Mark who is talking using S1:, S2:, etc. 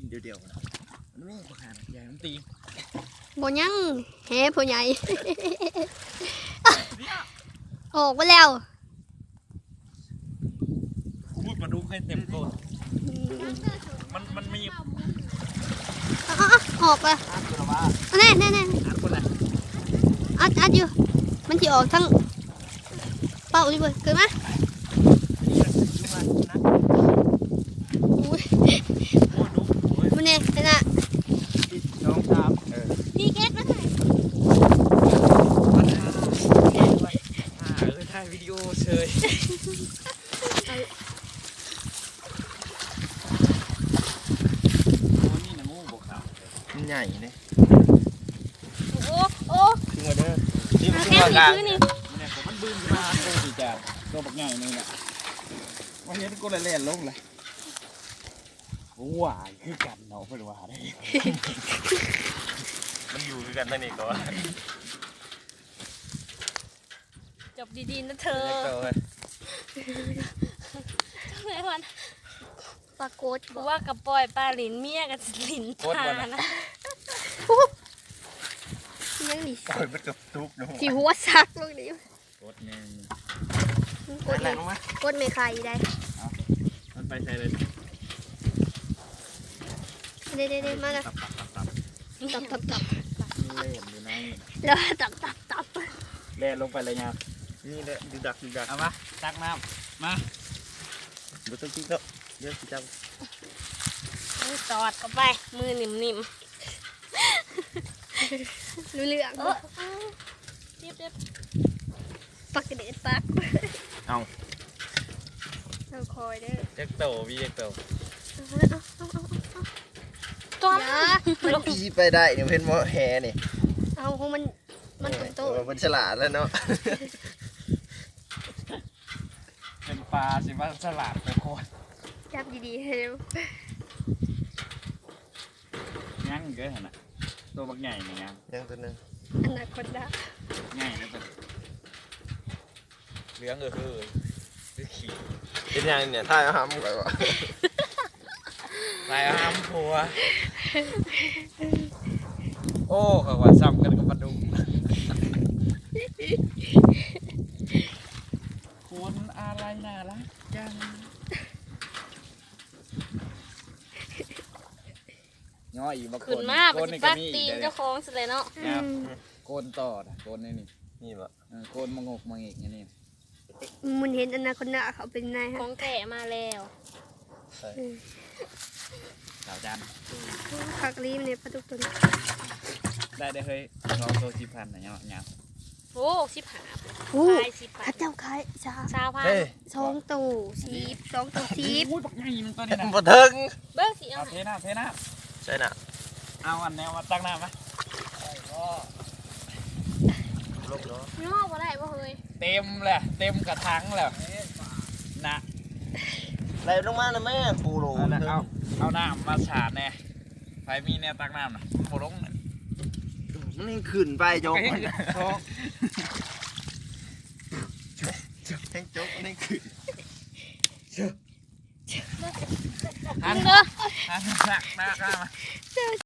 S1: เดียวๆนะมันไม่ประหารใหญ่มันตี
S2: บ่ยังแฮ่พ่อใหญ่ออกไปแล้ว
S1: พูดมาดูให้เต็มตัวมันมี
S2: ออกไปแน่อัดอยู่มันจะออกทั้งเป่าดิเว้ยเกิดมามันเนี่ยเป็นอะ
S1: น้องสาม
S2: พี่เก็ตมาถ่าย
S1: ถ่ายวิดีโอเฉยนี่นะงูบกขาวมันใหญ่เนี่ย
S2: โอ้
S1: ขึ้นมาเด้อนี่มันขึ้นมากลางเนี่ยมันบึ้งมาตัวสีแดงตัวบักใหญ่นี่แหละวันนี้ก็เลยเล่นลงเลยว้ายคือกันเนาะเพื่อนว่าได้มันอยู่คือกันนั่นเองก็ว่า
S2: จบดีๆนะเธอทำไมวันปลาโกดกูว่ากับปล่อยปลาหลินเมียกับหลินตานะยังดิ
S1: ปล่อยมันกับทุกเนาะ
S2: สิหัวซักลูกนี้
S1: กดเนี่ย
S2: กดไม่ใครได้
S1: มันไปใช่เลย
S2: เด้มาแล้วตับ
S1: เล่นอยู่ใน
S2: แล้วตับ
S1: เล่นลงไปเลยเนี่ยนี่เลยดูดักเอามาตักน้ำมาบุตรจิ๊กแล้วเดี๋ยวสิจับ
S2: มือตอดเข้าไปมือนิ่มรู้เรื่องเรียบปักกระเด็ดปัก
S1: เอา
S2: คอยเด้อ
S1: เจ๊กโตพี่เจ๊กโต
S2: ตัว
S1: มันตีไปได้เนี่ยเพื่อนมอแฮนี่
S2: เอาของมันโต
S1: มันฉลาดแล้วเนาะเป็นปลาสิว่าฉลาดไปโคตร
S2: จับดีๆเร็ว
S1: งั้นเกินน่ะตัวบักใหญ่นี่ยังตัวนึง
S2: อนาคตได้
S1: ใหญ่นะตัวเลี้ยงคือขี่เป็นยังเนี่ยท่ายห้ามก่อนวะท่ายห้ามผัวโอ้เขาว่าซ้ำกันกับปลาดุกคุณอะไรน่ารักจังน้อยอีกบางคน
S2: ขึ้นมาปฏิบัติตีนเจ้าของสุดเลยเนาะ
S1: โกนต่อโกนนี่แบบโกนมางกมางอีกอย่างนี้
S2: มันเห็นอนาคตน่ะเขาเป็นนาย
S3: ของแก่มาแล้ว
S1: สาวจัน
S2: ผักรีมเนี่ยปลาดุกตัวนี้
S1: ได้เฮ้ยลองโซ10,000นะเนี่ย
S3: โอ้15
S2: โอ้ข้าเจ้าขาย2,000 2ตู้10 2ตู้10
S1: อุ้ยบักใหญ่มันตัวนี้นะ
S4: บ่ถึง
S3: เบิ้งสิเอา
S1: เทน้ำใช่น่ะเอาอันแนวมาตั้งน้ำไหม
S3: ย่อบ่ได้บ่เฮ้ย
S1: เต็มแหละเต็มกระถางแล้วนะ
S4: ไหลลงมานะแม่ปูโล
S1: เอาน้ำมาฉาดแน่ไฟมีแนวตั้งน้ำนะโผล่ลง
S4: มันยังขึ้นไปโจ๊กแทงโจ๊กนี่ขึ้น
S1: หันหนักมา